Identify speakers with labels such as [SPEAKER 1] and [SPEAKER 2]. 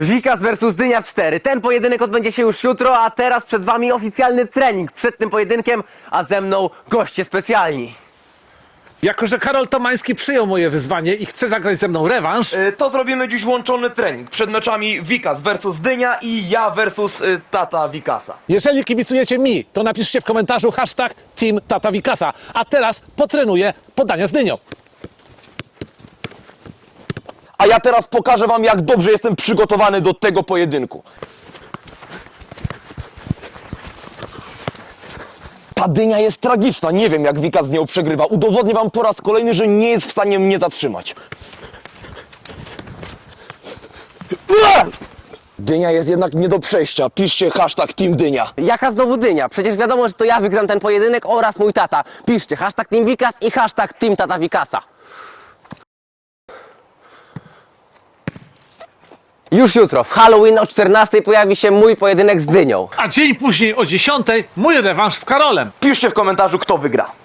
[SPEAKER 1] Wikas versus Dynia 4. Ten pojedynek odbędzie się już jutro, a teraz przed wami oficjalny trening przed tym pojedynkiem, a ze mną goście specjalni.
[SPEAKER 2] Jako że Karol Tomański przyjął moje wyzwanie i chce zagrać ze mną rewanż,
[SPEAKER 3] To zrobimy dziś łączony trening przed meczami Wikas versus Dynia i ja versus tata Wikasa.
[SPEAKER 2] jeżeli kibicujecie mi, to napiszcie w komentarzu hashtag Team Tata Wikasa. A teraz potrenuję podania z dynią.
[SPEAKER 3] A ja teraz pokażę wam, jak dobrze jestem przygotowany do tego pojedynku. Ta dynia jest tragiczna, nie wiem jak Wikas z nią przegrywa. Udowodnię wam po raz kolejny, że nie jest w stanie mnie zatrzymać. Dynia jest jednak nie do przejścia. Piszcie hashtag Team Dynia.
[SPEAKER 1] Jaka znowu Dynia? Przecież wiadomo, że to ja wygram ten pojedynek oraz mój tata. Piszcie hashtag Team Wikas i hashtag Team Tata Wikasa. Już jutro, w Halloween o 14 pojawi się mój pojedynek z Dynią.
[SPEAKER 2] A dzień później o 10 mój rewanż z Karolem.
[SPEAKER 3] Piszcie w komentarzu, kto wygra.